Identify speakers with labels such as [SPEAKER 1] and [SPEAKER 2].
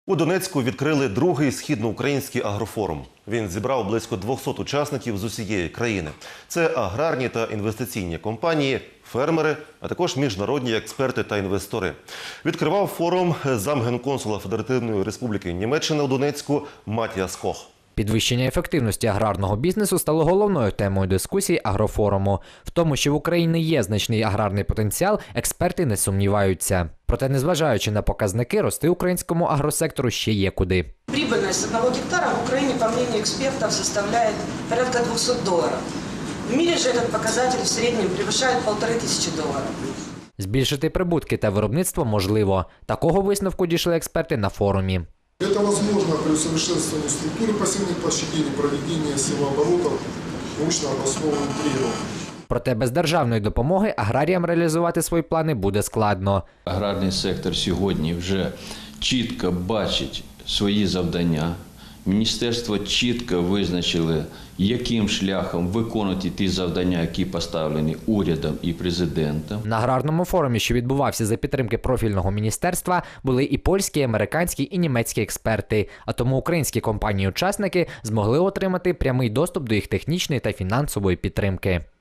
[SPEAKER 1] У Донецьку відкрили другий східноукраїнський агрофорум. Він зібрав близько 200 учасників з усієї країни. Це аграрні та інвестиційні компанії, фермери, а також міжнародні експерти та інвестори. Відкривав форум замгенконсула Федеративної Республіки Німеччина у Донецьку Матіас Кох.
[SPEAKER 2] Підвищення ефективності аграрного бізнесу стало головною темою дискусії агрофоруму. В тому, що в Україні є значний аграрний потенціал, експерти не сумніваються. Проте, незважаючи на показники, рости українському агросектору ще є куди.
[SPEAKER 3] Прибыльность 1 гектара в Украине, по мнению экспертов, составляет порядка $200. В мире же этот показатель в среднем превышает $1500.
[SPEAKER 2] Збільшити прибутки та виробництво можливо. Такого висновку дійшли експерти на форумі.
[SPEAKER 4] Это возможно при усовершенствовании структуры посевных площадей, проведении севооборотов, научно обоснованным требованиям.
[SPEAKER 2] Проте без державної допомоги аграріям реалізувати свої плани буде складно.
[SPEAKER 5] Аграрний сектор сьогодні вже чітко бачить свої завдання. Міністерство чітко визначили, яким шляхом виконувати ті завдання, які поставлені урядом і президентом.
[SPEAKER 2] На аграрному форумі, що відбувався за підтримки профільного міністерства, були і польські, і американські, і німецькі експерти. А тому українські компанії-учасники змогли отримати прямий доступ до їх технічної та фінансової підтримки.